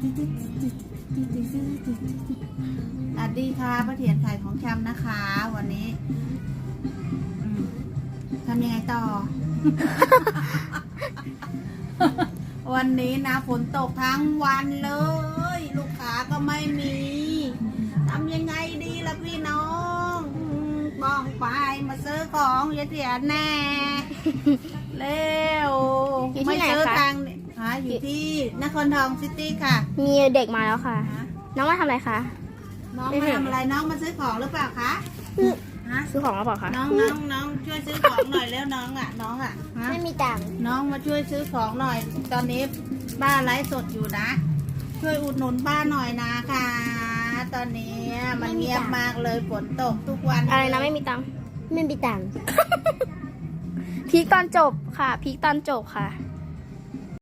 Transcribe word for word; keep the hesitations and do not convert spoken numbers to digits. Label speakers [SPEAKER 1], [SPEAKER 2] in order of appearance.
[SPEAKER 1] สวัสดีค่ะป้าเถียนขายของชำนะคะ วันนี้ทำยังไงต่อ วันนี้นะฝนตกทั้งวันเลย ลูกค้าก็ไม่มีทำยังไงดีล่ะพี่น้องบ้องไปมาซื้อของยายเถียนแน่ เร็ว
[SPEAKER 2] อยู่ที่ไหน
[SPEAKER 1] ซื้อ
[SPEAKER 2] คะ
[SPEAKER 1] ตังค์เนี่ยฮะอยู่ที่นครทองซิตี้ค่ะ
[SPEAKER 2] มีเด็กมาแล้วค่ะ น้องมาทำอะไรคะ
[SPEAKER 1] น้องมาทำอะไรน้องมาซื้อของหรือเปล่าคะฮะ
[SPEAKER 2] ซื้อของมาเปล่าคะ
[SPEAKER 1] น้องน้องน้องช่วยซื้อของหน่อยแล้วน้องอ่ะน้องอ่ะฮะ
[SPEAKER 2] ไม่มีตังค์
[SPEAKER 1] น้องมาช่วยซื้อของหน่อย ตอนนี้ป้าไลฟ์สดอยู่นะ ช่วยอุดหนุนป้าหน่อยนะคะตอนนี้มันเงียบมากเลยฝนตกทุกวัน
[SPEAKER 2] อะไรนะไม่มีตังค์ไม่มีตังค์ พีคตอนจบค่ะ พีคตอนจบค่ะ